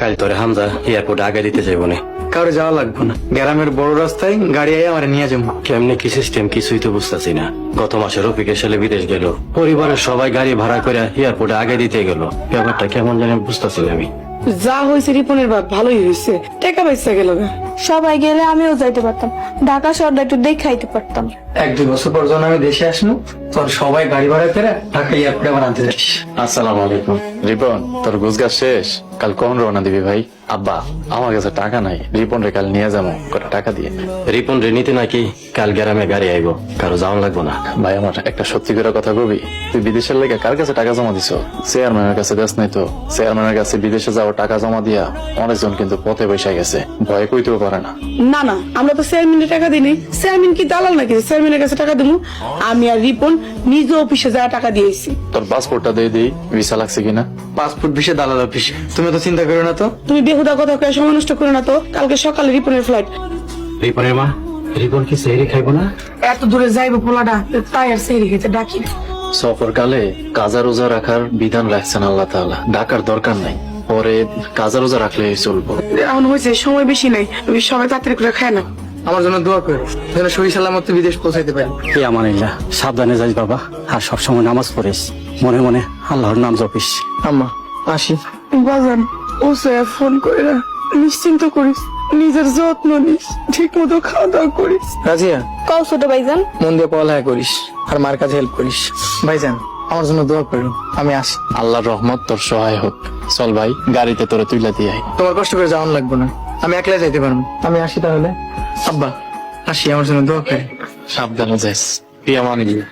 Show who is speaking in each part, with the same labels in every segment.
Speaker 1: কাল তোরে হামজা এয়ারপোর্টে আগে দিতে যাইব না।
Speaker 2: কারো যাওয়া লাগবে না, গ্রামের বড় রাস্তায় গাড়ি আয় আমার নিয়ে যাবো।
Speaker 1: কেমনে কি সিস্টেম কিছুই তো বুঝতেছি না। গত মাসে রফিকের সালে বিদেশ গেল, পরিবারের সবাই গাড়ি ভাড়া করে এয়ারপোর্টে আগে দিতে গেল। ব্যাপারটা কেমন জানি বুঝতেছি না আমি।
Speaker 3: যা হয়েছে রিপনের বাপ ভালোই হয়েছে, টাকা পয়সা গেল।
Speaker 4: সবাই গেলে আমিও যাইতে পারতাম, ঢাকা শহরটা একটু দেখাইতে পারতাম।
Speaker 2: 1-2 বছর পর যখন আমি দেশে আসবো তোর সবাই গাড়ি ভাড়া করে ঢাকা এয়ারপোর্টে আমার আনতে যাস।
Speaker 1: আসসালামু আলাইকুম।
Speaker 5: রিপন, তোর গুজগাছ শেষ? কাল কখন রওনা দিবি ভাই? আব্বা, আমার কাছে টাকা নাই, রিপন রে কাল নিয়ে যাবো, কটা টাকা দিয়ে।
Speaker 1: রিপন রে নিতে নাকি কাল গ্রামে গাড়ি আইব, কারো যাওয়া লাগবো না।
Speaker 5: ভাই আমার একটা সত্যি করে কথা কবি, তুই বিদেশের লেগে কার কাছে টাকা জমা দিছ? চেয়ারম্যানের কাছে দেশ নাই তো? চেয়ারম্যানের কাছে বিদেশে যাওয়া টাকা জমা দিয়া অনেকজন কিন্তু পথে বসে গেছে, ভয়ে কইতেও পারে না।
Speaker 3: না না, আমরা তো চেয়ারম্যানের টাকা দিই নাই। চেয়ারম্যান কি দালাল নাকি চেয়ারম্যানের কাছে টাকা দেবো? আমি আর রিপন নিজ অফিসে যাওয়া টাকা দিয়েছি।
Speaker 5: তোর পাসপোর্টটা দিয়ে দিই, ভিসা লাগছে কিনা।
Speaker 2: পাসপোর্ট ভিসা দালাল অফিস, তুমি তো চিন্তা করো না তো।
Speaker 3: তুমি বেহুদা কথা কয়ে সময় নষ্ট করো না তো। কালকে সকালে রিপনের ফ্লাইট।
Speaker 1: রিপনের মা, রিপন কি সেহরি খাইব না?
Speaker 3: এত দূরে যাইবো পোলাটা, তাই আর সেরি খেতে ডাকি।
Speaker 5: সফরকালে কাজা রোজা রাখার বিধান রাখছেন আল্লাহ তাআলা, ডাকার দরকার নাই, পরে কাজা রোজা রাখলে চলবো।
Speaker 3: এখন হয়েছে সময় বেশি নাই, সবাই তাড়াতাড়ি করে খায় না।
Speaker 2: আমার জন্য দোয়া করো যেন সহি সালামত বিদেশ পৌঁছাইতে পারি।
Speaker 1: আমানিল্লাহ, সাবধানে যাইস বাবা, আর সবসময় নামাজ পড়িস, মনে মনে আল্লাহর নাম জপিস।
Speaker 2: আম্মা আসি।
Speaker 3: বাজান ও ফোন করে না, নিশ্চিন্ত করিস, নিজের যত্ন নিস, ঠিক মতো খাওয়া দাওয়া করিস।
Speaker 2: রাজিয়া,
Speaker 4: কও ছোট ভাইজান।
Speaker 2: মন দিয়ে পড়ালেখা করিস আর মার কাছে হেল্প করিস। ভাইজান আমার জন্য দোয়া করো, আমি আসি।
Speaker 5: আল্লাহর রহমত তোর সহায় হোক। চল ভাই, গাড়িতে তোরে তুইলা দিয়ে আয়।
Speaker 2: তোমার কষ্ট করে যাওয়ান লাগবে না, আমি একলা যাইতে পারবো। আমি আসি তাহলে। আব্বা আসি, আমার জন্য দোয়া করি।
Speaker 5: সাবধানে যাইস। পিয়ামানিল্লাহ।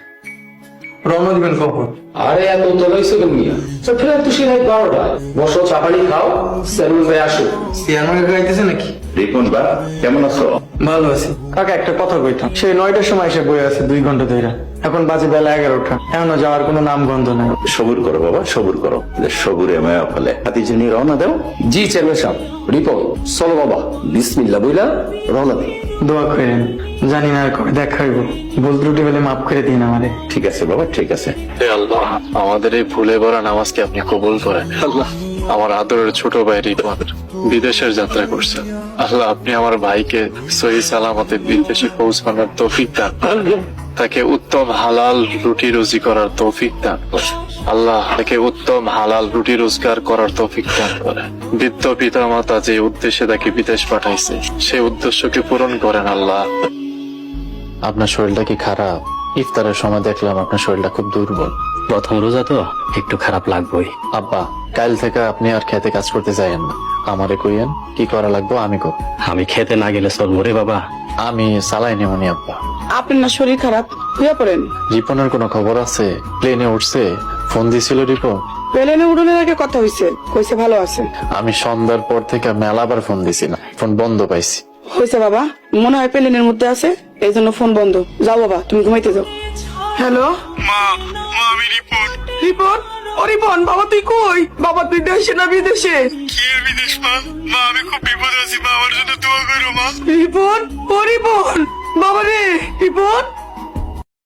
Speaker 2: রওনা দিবেন কখন?
Speaker 6: আরে এত তোলাইছো কেন মিয়া? ফেরার তো সে 12টায়। বসো, চা পানি খাও, সেলুন হয়ে আসো।
Speaker 2: চেয়ারম্যান কাকা আইতেছে নাকি?
Speaker 6: রিপন বা কেমন আছো?
Speaker 2: ভালো আছি কাকা, একটা কথা কইতাম। সেই 9টার সময় এসে বয়ে আছে 2 ঘন্টা ধরে, এখন বাজে বেলা 11টা, এখনো যাওয়ার কোনো নাম গন্ধ নাই।
Speaker 6: সবুর করো বাবা, সবুর করো। সবুরে মায়া ফেলে হাতিজে নিয়ে রওনা দাও। জি চেয়ারম্যান সাহেব। রিপন চলো বাবা, বিসমিল্লাহ বইলা রওনা দিই।
Speaker 2: দোয়া করেন, জানি না আর কবে দেখা হইব। ভুল ত্রুটি বলে মাফ করে দিন আমারে।
Speaker 6: ঠিক আছে বাবা, ঠিক আছে।
Speaker 5: হে আল্লাহ, আমাদের এই ভুলে ভরা নামাজকে আপনি কবুল করেন। আল্লাহ, আমার আদরের ছোট ভাই রিপন বিদেশের যাত্রা করছেন। আল্লাহ, আপনি আমার ভাইকে সহি সালামতে বিদেশে পৌঁছানোর তৌফিক দান করেন। তাকে উত্তম হালাল রুটি রুজি করার তৌফিক দান করেন। আল্লাহ, তাকে উত্তম হালাল রুটি রোজগার করার তৌফিক দান করেন। বৃদ্ধ পিতা মাতা যে উদ্দেশ্যে তাকে বিদেশ পাঠাইছে, সেই উদ্দেশ্যকে পূরণ করেন আল্লাহ। আপনার শরীরটা কি খারাপ? ইফতারের সময় দেখলাম আপনার শরীরটা খুব দুর্বল।
Speaker 1: প্রথম রোজা তো একটু খারাপ লাগবেই।
Speaker 5: আব্বা, কাল থেকে আপনি আর খেতে কাজ করতে যাইয়েন না, আমারে কইয়েন কি করা লাগবে আমি করব।
Speaker 1: আমি খেতে না গেলে চলবো রে বাবা।
Speaker 5: আমি চালাই নেমনি আব্বা।
Speaker 3: আপনার না শরীর খারাপ, হইয়া পড়েন।
Speaker 5: রিপনের কোনো খবর আছে? প্লেনে উঠছে? ফোন দিছিল রিপন?
Speaker 3: প্লেনে উড়নের আগে কথা হয়েছে, কইছে ভালো আছে।
Speaker 5: আমি সন্ধ্যার পর থেকে মেলাবার ফোন দিছি না, ফোন বন্ধ পাইছি।
Speaker 3: হয়েছে বাবা, মনে হয় প্লেনের মধ্যে আছে, এই জন্য ফোন বন্ধ। যাও বাবা, তুমি ঘুমাইতে যাও। হ্যালো মা, আমি রিপন। রিপন? ও রিপন, বাবা তুই কই? বাবা তুই দেশে না বিদেশে? কি এর বিদেশ মা? মা আমি খুব বিপদ আছি মা, আমার জন্য দোয়া করো মা। রিপন, ও রিপন, বাবা রে রিপন।